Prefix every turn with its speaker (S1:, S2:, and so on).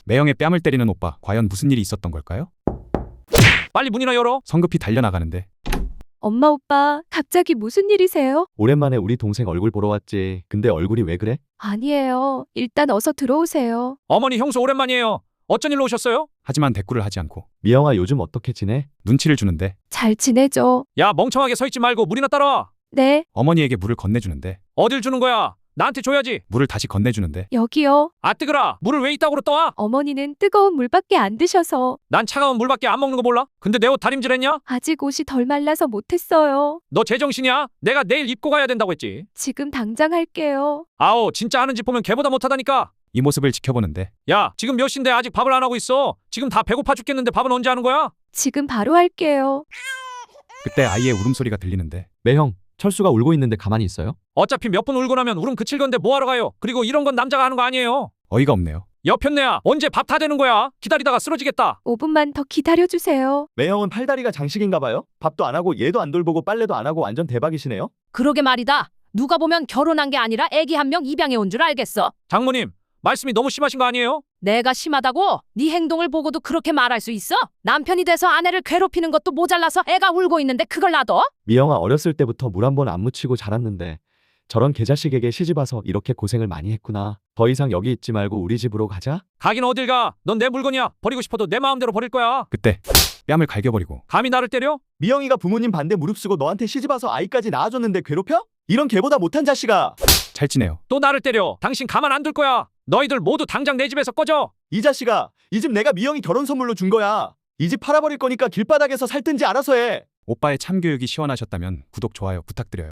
S1: 매형의 뺨을 때리는 오빠, 과연 무슨 일이 있었던 걸까요?
S2: 빨리 문이나 열어.
S1: 성급히 달려나가는데
S3: 엄마 오빠, 갑자기 무슨 일이세요?
S4: 오랜만에 우리 동생 얼굴 보러 왔지. 근데 얼굴이 왜 그래?
S3: 아니에요. 일단 어서 들어오세요.
S2: 어머니 형수 오랜만이에요. 어쩐 일로 오셨어요?
S1: 하지만 대꾸를 하지 않고
S4: 미영아 요즘 어떻게 지내?
S1: 눈치를 주는데
S3: 잘 지내죠?
S2: 야 멍청하게 서 있지 말고 물이나 따라와.
S3: 네,
S1: 어머니에게 물을 건네주는데
S2: 어딜 주는 거야? 나한테 줘야지.
S1: 물을 다시 건네주는데
S3: 여기요.
S2: 아 뜨거라. 물을 왜 이따구로 떠와?
S3: 어머니는 뜨거운 물밖에 안 드셔서
S2: 난 차가운 물밖에 안 먹는 거 몰라? 근데 내 옷 다림질했냐?
S3: 아직 옷이 덜 말라서 못했어요.
S2: 너 제정신이야? 내가 내일 입고 가야 된다고 했지.
S3: 지금 당장 할게요.
S2: 아오 진짜 하는 짓 보면 걔보다 못하다니까.
S1: 이 모습을 지켜보는데
S2: 야 지금 몇 시인데 아직 밥을 안 하고 있어. 지금 다 배고파 죽겠는데 밥은 언제 하는 거야?
S3: 지금 바로 할게요.
S1: 그때 아이의 울음소리가 들리는데
S4: 매형, 철수가 울고 있는데 가만히 있어요?
S2: 어차피 몇 분 울고 나면 울음 그칠 건데 뭐하러 가요? 그리고 이런 건 남자가 하는 거 아니에요.
S1: 어이가 없네요.
S2: 여편네야 언제 밥 다 되는 거야? 기다리다가 쓰러지겠다.
S3: 5분만 더 기다려주세요.
S4: 매형은 팔다리가 장식인가 봐요? 밥도 안 하고 얘도 안 돌보고 빨래도 안 하고 완전 대박이시네요?
S5: 그러게 말이다. 누가 보면 결혼한 게 아니라 애기 한 명 입양해 온 줄 알겠어.
S2: 장모님 말씀이 너무 심하신 거 아니에요?
S5: 내가 심하다고? 네 행동을 보고도 그렇게 말할 수 있어? 남편이 돼서 아내를 괴롭히는 것도 모자라서 애가 울고 있는데 그걸 놔둬?
S4: 미영아 어렸을 때부터 물 한 번 안 묻히고 자랐는데 저런 개자식에게 시집 와서 이렇게 고생을 많이 했구나. 더 이상 여기 있지 말고 우리 집으로 가자.
S2: 가긴 어딜 가? 넌 내 물건이야. 버리고 싶어도 내 마음대로 버릴 거야.
S1: 그때 뺨을 갈겨버리고
S2: 감히 나를 때려?
S4: 미영이가 부모님 반대 무릅쓰고 너한테 시집 와서 아이까지 낳아줬는데 괴롭혀? 이런 개보다 못한 자식아.
S1: 찰지네요.
S2: 또 나를 때려. 당신 가만 안 둘 거야. 너희들 모두 당장 내 집에서 꺼져.
S4: 이 자식아, 이 집 내가 미영이 결혼 선물로 준 거야. 이 집 팔아버릴 거니까 길바닥에서 살든지 알아서 해.
S1: 오빠의 참교육이 시원하셨다면 구독, 좋아요 부탁드려요.